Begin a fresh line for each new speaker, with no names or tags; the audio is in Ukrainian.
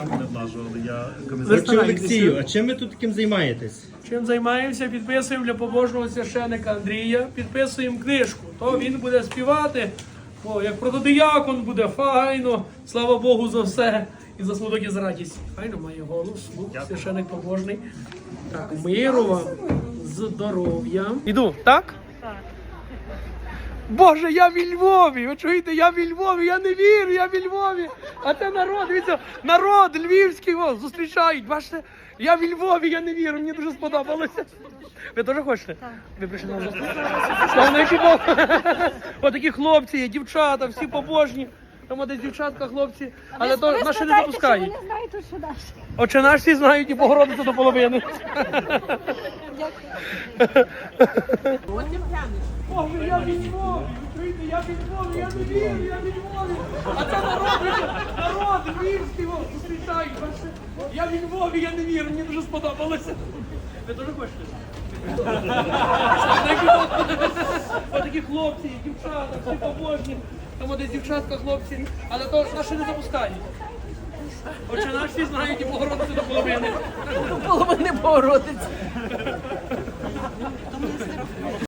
Не влажували, я
Отче Олексію, а чим ви тут таким займаєтесь?
Чим займаємося? Підписуємо для побожного священика Андрія, підписуємо книжку. То він буде співати, як протодиякон буде файно, слава Богу за все. І за смуток, і за радість. Файно має голос, священик побожний. Так, миру вам, здоров'я. Іду, так? Так. Боже, я в Львові! Ви чуєте, я в Львові, я не вірю, я в Львові! А це народ, дивіться, народ львівський вас зустрічають. Бачите, я в Львові, я не вірю, мені дуже сподобалося. Ви теж хочете? Так. Ви прийшли на зустріч? Славники Бог! Отакі хлопці є, дівчата, всі побожні. Там десь дівчатка, хлопці, але то наші не допускають.
Вони знають, що наш.
Отче наш всі знають і Богородицю до половини. Боже, я в Львові, ви чуєте, я в Львові, я не вірю, я в Львові. А це народ львівський вас зустрічають. Я в Львові, я не вірю, мені дуже сподобалося. Ви теж хочете? Отакі хлопці, дівчата, всі побожні. Там десь дівчатка, хлопці, але то наші не запускають. Отже, наші всі знають і Богородицю до половини.
Половини Богородиці.